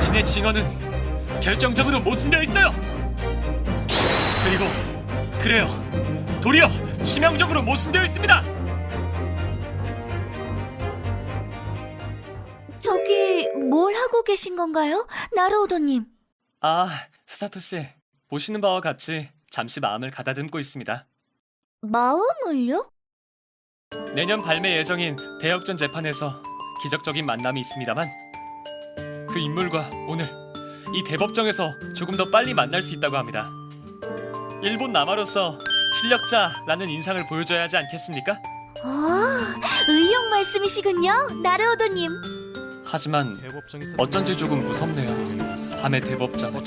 당신의 증언은 결정적으로 모순되어 있어요. 그리고 그래요, 도리어 치명적으로 모순되어 있습니다. 저기 뭘 하고 계신 건가요? 나루오도님. 아, 스사토 씨, 보시는 바와 같이 잠시 마음을 가다듬고 있습니다. 마음을요? 내년 발매 예정인 대역전 재판에서 기적적인 만남이 있습니다만 그 인물과 오늘 이 대법정에서 조금 더 빨리 만날 수 있다고 합니다. 일본 남아로서 실력자라는 인상을 보여줘야 하지 않겠습니까? 아, 의욕 말씀이시군요, 나루오도님. 하지만 어쩐지 조금 무섭네요. 밤의 대법정.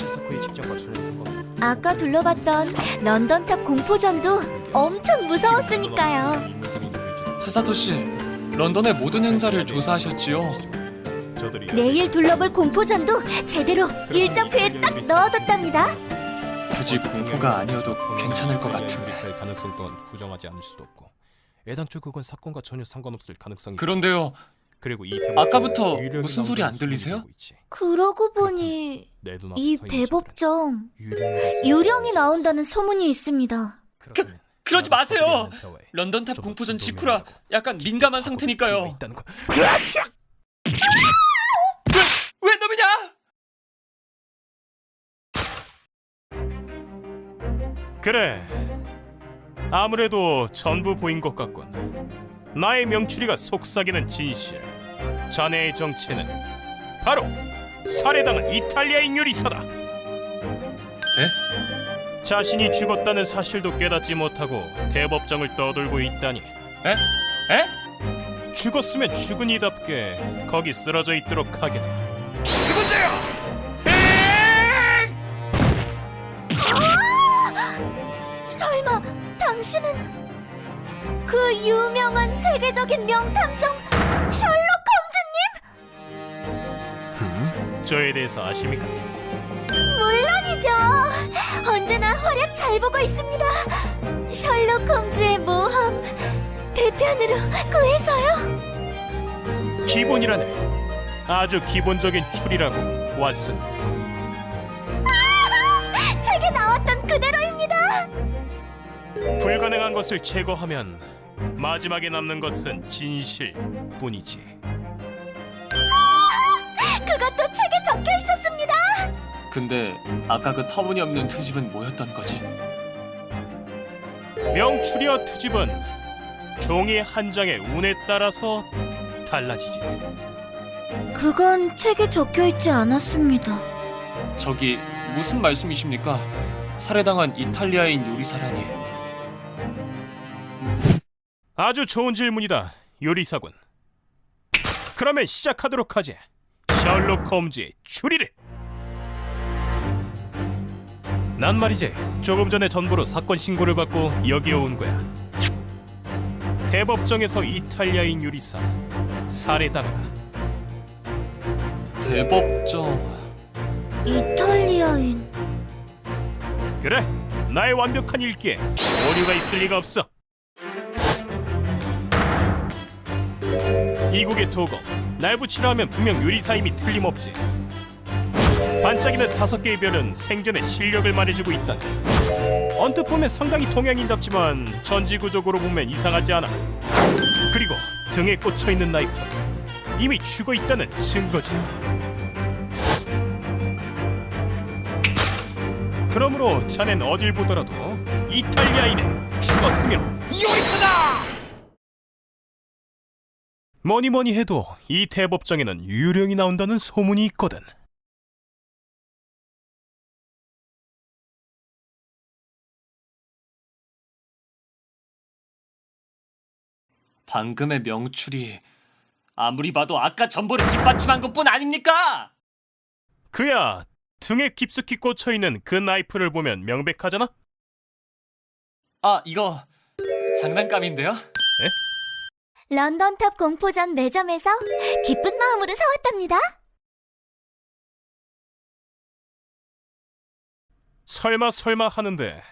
아까 둘러봤던 런던탑 공포전도 엄청 무서웠으니까요. 스사토 씨, 런던의 모든 행사를 조사하셨지요? 내일 둘러볼 공포전도 제대로 일정표에 딱 넣어뒀답니다. 굳이 공포가 아니어도 괜찮을 것 같은데. 가능성 또한 부정하지 않을 수도 없고 애당초 그건 사건과 전혀 상관없을 가능성이. 그런데요, 그리고 이 아까부터 유령이 무슨 소리 안 나온다는 들리세요? 소문이 있지. 그러고 보니 내 눈앞에 이 서 있는 대법정 저들은 유령이 나온다는 소문이 있습니다. 그렇다면 그러지 나도 마세요. 거슬리는 대화에 런던탑 좀 공포전 진동이 직후라 나고 약간 민감한 하고 상태니까요. 있다는 거. 왜 놈이냐? 그래, 아무래도 전부 보인 것 같군. 나의 명추리가 속삭이는 진실. 자네의 정체는 바로 살해당한 이탈리아인 요리사다. 에? 자신이 죽었다는 사실도 깨닫지 못하고 대법정을 떠돌고 있다니. 에? 죽었으면 죽은이답게 거기 쓰러져 있도록 하게나. 죽은 자야! 설마 당신은 그 유명한 세계적인 명탐정 셜록 홈즈님? 저에 대해서 아십니까? 물론이죠. 언제나 활약 잘 보고 있습니다. 셜록 홈즈의 모험 배편으로 구해서요. 기본이라네. 아주 기본적인 추리라고, 왓슨. 책에 나왔던 그대로입니다. 불가능한 것을 제거하면 마지막에 남는 것은 진실뿐이지. 그것도 책에 적혀 있었습니다. 근데 아까 그 터무니없는 트집은 뭐였던 거지? 명추리와 투집은 종이 한 장의 운에 따라서 달라지지. 그건 책에 적혀 있지 않았습니다. 저기 무슨 말씀이십니까? 살해당한 이탈리아인 요리사라니. 아주 좋은 질문이다, 요리사군. 그러면 시작하도록 하지. 셜록 홈즈의 추리를. 난 말이지, 조금 전에 전보로 사건 신고를 받고 여기에 온 거야. 대법정에서 이탈리아인 요리사 살해당하다. 대법정. 이탈리아인. 그래, 나의 완벽한 읽기에 오류가 있을 리가 없어. 이국의 도검, 날 붙이라 하면 분명 요리사임이 틀림없지. 반짝이는 5개의 별은 생전의 실력을 말해주고 있다. 언뜻 보면 상당히 동양인답지만 전지구적으로 보면 이상하지 않아. 그리고 등에 꽂혀있는 나이프, 이미 죽어있다는 증거지. 그러므로 자넨 어딜 보더라도 이탈리아인은 죽었으며 요리사다! 뭐니뭐니 해도 이 대법정에는 유령이 나온다는 소문이 있거든. 방금의 명추리, 아무리 봐도 아까 전보를 뒷받침한 것뿐 아닙니까? 그야, 등에 깊숙이 꽂혀있는 그 나이프를 보면 명백하잖아? 아, 이거 장난감인데요? 런던탑 공포전 매점에서 기쁜 마음으로 사왔답니다. 설마 하는데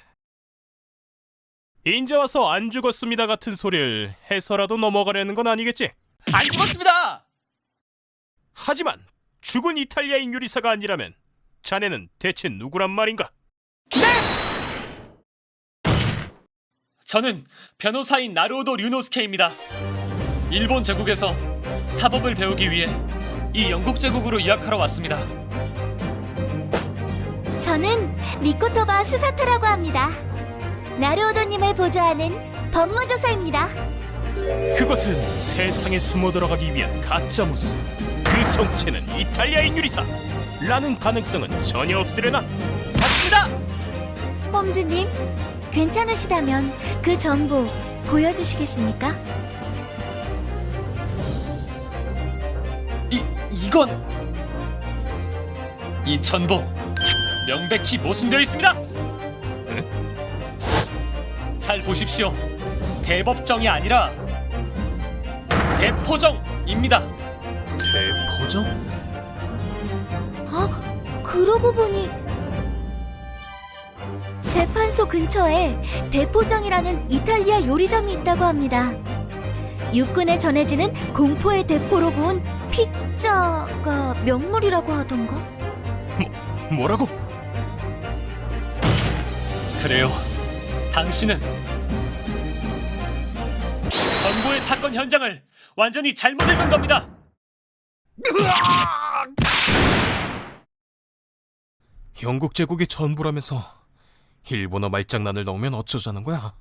인제 와서 안 죽었습니다 같은 소리를 해서라도 넘어가려는 건 아니겠지? 안 죽었습니다! 하지만 죽은 이탈리아인 요리사가 아니라면 자네는 대체 누구란 말인가? 저는 변호사인 나루오도 류노스케입니다. 일본 제국에서 사법을 배우기 위해 이 영국 제국으로 유학하러 왔습니다. 저는 미코토바 스사토라고 합니다. 나루오도님을 보좌하는 법무조사입니다. 그것은 세상에 숨어 들어가기 위한 가짜무스. 그 정체는 이탈리아인 요리사 라는 가능성은 전혀 없으려나? 맞습니다! 홈즈님, 괜찮으시다면 그 정보 보여주시겠습니까? 이건 이 전보 명백히 모순되어 있습니다. 잘 보십시오. 대법정이 아니라 대포정입니다. 대포정? 그러고 보니 재판소 근처에 대포정이라는 이탈리아 요리점이 있다고 합니다. 육군에 전해지는 공포의 대포로 구운 피자가 명물이라고 하던가? 뭐라고? 그래요. 당신은 전보의 사건 현장을 완전히 잘못 읽은 겁니다. 영국 제국의 전부라면서 일본어 말장난을 넣으면 어쩌자는 거야?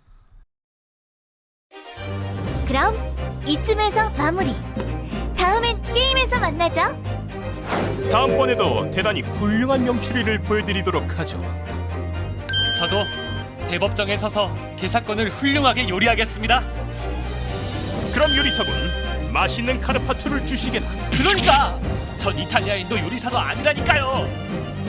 그럼 이쯤에서 마무리. 다음엔 게임에서 만나죠. 다음번에도 대단히 훌륭한 명추리를 보여드리도록 하죠. 저도 대법정에 서서 그 사건을 훌륭하게 요리하겠습니다. 그럼 요리사군, 맛있는 카르파초를 주시게나. 그러니까 전 이탈리아인도 요리사도 아니라니까요.